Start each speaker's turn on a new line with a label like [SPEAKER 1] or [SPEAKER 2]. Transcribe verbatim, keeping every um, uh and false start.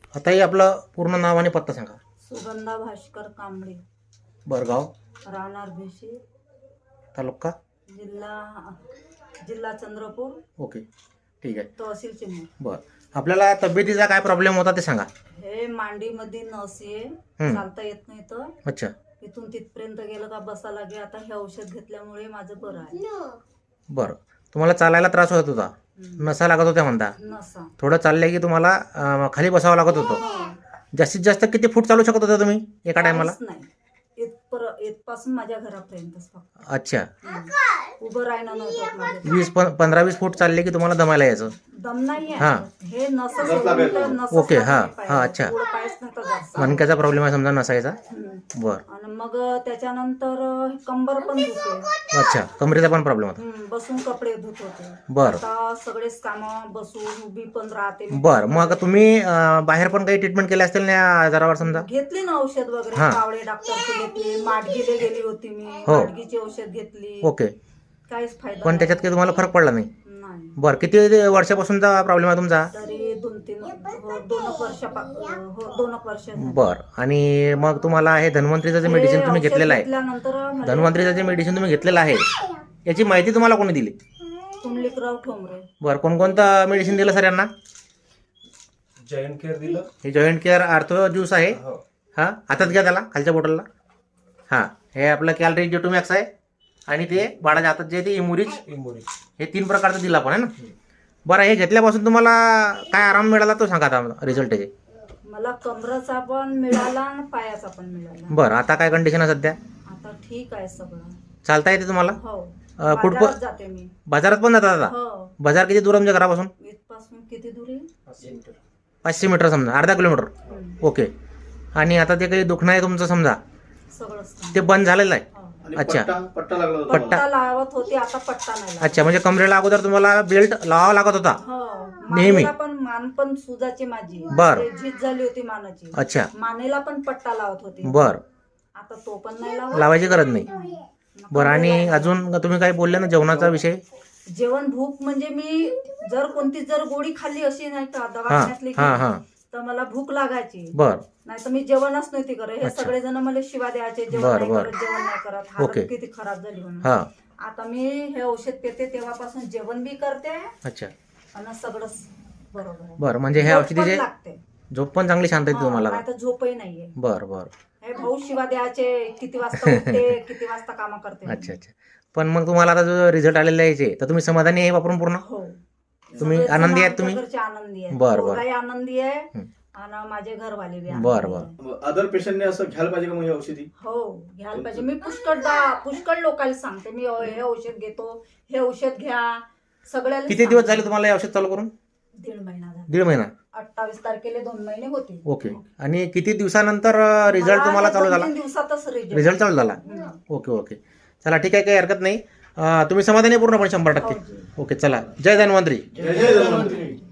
[SPEAKER 1] आता हे आपलं पूर्ण नाव आणि पत्ता सांगा.
[SPEAKER 2] सुगंधा भास्कर कांबळे,
[SPEAKER 1] बरगाव,
[SPEAKER 2] राहणार भिशी,
[SPEAKER 1] तालुका,
[SPEAKER 2] जिल्हा जिल्हा चंद्रपूर,
[SPEAKER 1] ओके ठीक आहे.
[SPEAKER 2] तहसील चिमूर.
[SPEAKER 1] बरं, आपल्याला तब्येतीचा काय प्रॉब्लेम होता ते सांगा.
[SPEAKER 2] हे मांडीमध्ये नस आहे,
[SPEAKER 1] हं.
[SPEAKER 2] चालता येत नाही तर
[SPEAKER 1] अच्छा,
[SPEAKER 2] इथून तिथपर्यंत गेलं का बसा लागे. आता हे औषध घेतल्यामुळे माझं बरं आहे.
[SPEAKER 1] बरं. तुम्हाला चालायला त्रास होत होता,
[SPEAKER 2] हं.
[SPEAKER 1] नसा लागत होत्या म्हणता.
[SPEAKER 2] नसा
[SPEAKER 1] थोडं चाललं की तुम्हाला अं, खाली बसावं लागत होतं. जास्तीत जास्त किती फूट चालू शकत होता तुम्ही एका टायमाला?
[SPEAKER 2] काहीच नाही. इथपर इथपासून माझ्या घरापर्यंतच फक्त.
[SPEAKER 1] अच्छा,
[SPEAKER 2] हं. उभं राहणं नव्हतं माझं.
[SPEAKER 1] वीस प पंधरा वीस फूट चालले की तुम्हाला दमायला यायचं.
[SPEAKER 2] दम नाही
[SPEAKER 1] हां.
[SPEAKER 2] आहे. हे नस सोडून तर नसच
[SPEAKER 1] ओके,
[SPEAKER 2] लागली
[SPEAKER 1] हां,
[SPEAKER 2] पाहिजे.
[SPEAKER 1] हां, अच्छा.
[SPEAKER 2] पुढं पायच नव्हता जास्त.
[SPEAKER 1] मणक्याचा प्रॉब्लेम आहे समजा नसायचा.
[SPEAKER 2] हं.
[SPEAKER 1] बरं,
[SPEAKER 2] आणि मग त्याच्यानंतर कंबर पण दुखते.
[SPEAKER 1] अच्छा, कमरेचा पण प्रॉब्लेम होता.
[SPEAKER 2] हं, बसून कपडे धुत होते.
[SPEAKER 1] बरं
[SPEAKER 2] आता सगळेच कामं बसून उभी पण राहते मी.
[SPEAKER 1] बरं. मग तुम्ही अं, बाहेर पण काही ट्रीटमेंट केली असतील ना या आजारावर समजा?
[SPEAKER 2] घेतली ना औषध वगैरे.
[SPEAKER 1] हां.
[SPEAKER 2] कावळे डॉक्टरची घेतली, माडगीले गेली होती मी,
[SPEAKER 1] हो.
[SPEAKER 2] माडगीची औषध घेतली.
[SPEAKER 1] ओके,
[SPEAKER 2] काहीच फायदा
[SPEAKER 1] पण त्याच्यात काही तुम्हाला फरक पडला नाही?
[SPEAKER 2] नाही.
[SPEAKER 1] बरं, किती वर्षापासूनचा प्रॉब्लेम आहे तुमचा?
[SPEAKER 2] तरी दोन तीन हो, दोन एक वर्ष हो दोन एक वर्ष झाली.
[SPEAKER 1] बरं. आणि मग तुम्हाला हे धन्वंतरीचं जे मेडिसिन तुम्ही
[SPEAKER 2] हे
[SPEAKER 1] घेतलेलं आहे,
[SPEAKER 2] औषध घेतल्यानंतर मला
[SPEAKER 1] धन्वंतरीचं जे मेडिसिन तुम्ही घेतलेलं आहे याची माहिती तुम्हाला कोणी दिली?
[SPEAKER 2] कुंडलिकराव ठोंबरे.
[SPEAKER 1] बरं, कोणकोणतं मेडिसिन दिलं सर यांना?
[SPEAKER 3] जॉईंट केअर दिलं.
[SPEAKER 1] हे जॉईंट केअर आर्थो ज्यूस आहे.
[SPEAKER 3] हो.
[SPEAKER 1] हां, हातात घ्या त्याला, खालच्या बॉटलला. हां, हे आपलं कॅलरी जेटोमॅक्स आहे आणि ते बाळाच्या हातात जे आहे ते इमुरिज.
[SPEAKER 3] इमोरी.
[SPEAKER 1] हे तीन प्रकारचं दिलं आपण आहे ना. बरं, हे घेतल्यापासून तुम्हाला काय आराम मिळाला तो सांगा आता रिझल्ट त्याचे.
[SPEAKER 2] मला कमराचा पण मिळाला आणि पायाचा पण मिळाला.
[SPEAKER 1] बरं, आता काय कंडिशन आहे सध्या?
[SPEAKER 2] आता ठीक आहे सगळं.
[SPEAKER 1] चालता येते तुम्हाला?
[SPEAKER 2] हो.
[SPEAKER 1] अं, कुठं
[SPEAKER 2] बाजारात जाते मी.
[SPEAKER 1] बाजारात पण जातात आता?
[SPEAKER 2] हो.
[SPEAKER 1] बाजार किती दूर तुमच्या घरापासून?
[SPEAKER 2] इथपासून किती दूर आहे?
[SPEAKER 3] पाचशे मीटर.
[SPEAKER 1] पाचशे मीटर समजा, अर्धा किलोमीटर.
[SPEAKER 2] हं.
[SPEAKER 1] ओके. आणि आता ते काही दुखणं आहे तुमचं समजा,
[SPEAKER 2] सगळं
[SPEAKER 1] ते बंद झालेलं आहे?
[SPEAKER 2] हो.
[SPEAKER 3] आणि
[SPEAKER 1] अच्छा.
[SPEAKER 3] पट्टा पट्टा लागला होता.
[SPEAKER 1] पट्टा.
[SPEAKER 2] पट्टा लावत होती, आता पट्टा नाही लावत.
[SPEAKER 1] अच्छा, म्हणजे कमरेला अगोदर तुम्हाला बेल्ट लावावा लागत होता?
[SPEAKER 2] हो.
[SPEAKER 1] नेहमी?
[SPEAKER 2] मानेला पण मान पण सुजाची माझी.
[SPEAKER 1] बरं.
[SPEAKER 2] ते झीज झाली होती मानाची.
[SPEAKER 1] अच्छा,
[SPEAKER 2] मानेला पण पट्टा लावत होती.
[SPEAKER 1] बरं.
[SPEAKER 2] आता तो पण नाही लावत.
[SPEAKER 1] लावायची गरज नाही. बरं, आणि अजून तुम्ही काही बोलले ना जेवणाचा विषय?
[SPEAKER 2] जेवण भूक म्हणजे मी जर कोणती जर गोळी खाल्ली अशी नाही का
[SPEAKER 1] हां
[SPEAKER 2] दवाखान्यातली
[SPEAKER 1] हां हां.
[SPEAKER 2] तर मला भूक लागायची.
[SPEAKER 1] बरं,
[SPEAKER 2] नाही तर मी जेवणच नव्हती करत. हे
[SPEAKER 1] अच्छा.
[SPEAKER 2] सगळेजण मला शिवा द्यायचे, जेवण
[SPEAKER 1] बरं,
[SPEAKER 2] नाही
[SPEAKER 1] बरं.
[SPEAKER 2] करत, जेवण नाही करत,
[SPEAKER 1] ओके.
[SPEAKER 2] हालत किती खराब झाली म्हणून.
[SPEAKER 1] हां,
[SPEAKER 2] आता मी हे औषध पेते तेव्हापासून जेवण बी करते
[SPEAKER 1] अच्छा.
[SPEAKER 2] आणि सगळंच बरोबर आहे.
[SPEAKER 1] बरं, म्हणजे हे
[SPEAKER 2] झोप पण
[SPEAKER 1] औषधीचे
[SPEAKER 2] लागते.
[SPEAKER 1] झोप पण चांगली शांत येते
[SPEAKER 2] हा,
[SPEAKER 1] तुम्हाला?
[SPEAKER 2] नाही तर झोपही नाहीये.
[SPEAKER 1] बरं बरं.
[SPEAKER 2] हे भाऊ शिवा द्यायचे, किती वाजता उठते, किती वाजता काम करते.
[SPEAKER 1] अच्छा अच्छा. पण मग तुम्हाला आता जो रिझल्ट आलेला आहे याचे, तर तुम्ही समाधानी आहे वापरून पूर्ण?
[SPEAKER 2] हो.
[SPEAKER 1] तुम्ही
[SPEAKER 2] सगळेजण
[SPEAKER 1] आनंदी आहेत तुम्ही?
[SPEAKER 2] आमच्या घरचे आनंदी आहे.
[SPEAKER 1] बरं, बरं.
[SPEAKER 2] पोरगाही आनंदी आहे
[SPEAKER 1] हं.
[SPEAKER 2] आणि माझे घरवाले बी
[SPEAKER 1] बरं,
[SPEAKER 2] आनंदी
[SPEAKER 1] बरं.
[SPEAKER 2] आहे.
[SPEAKER 3] अदर पेशंटने असं घ्यायला पाहिजे का मग ही औषधी?
[SPEAKER 2] हो, घ्यायला पाहिजे. मी पुष्कळ दा- पुष्कळ लोकांना सांगते मी हे औषध घेतो, हे औषध घ्या. सगळ्याला
[SPEAKER 1] किती दिवस झाले
[SPEAKER 2] सांगते.
[SPEAKER 1] तुम्हाला हे औषध चालू करून?
[SPEAKER 2] दीड महिना झाला.
[SPEAKER 1] दीड महिना.
[SPEAKER 2] अठ्ठावीस तारखेला दोन महिने होते.
[SPEAKER 1] ओके. आणि किती दिवसानंतर रिझल्ट
[SPEAKER 2] मला
[SPEAKER 1] तुम्हाला चालू
[SPEAKER 2] दोन
[SPEAKER 1] झाला?
[SPEAKER 2] तीन दिवसातच रिझल्ट.
[SPEAKER 1] रिझल्ट चालू झाला?
[SPEAKER 2] हं.
[SPEAKER 1] Okay okay. चला ठीक आहे, काही हरकत नाही. अं, तुम्ही समाधानी आहे पूर्णपणे शंभर
[SPEAKER 2] हो
[SPEAKER 1] टक्के?
[SPEAKER 2] जी.
[SPEAKER 1] ओके, चला. जय धन्वंतरी.
[SPEAKER 3] जय जय धन्वंतरी.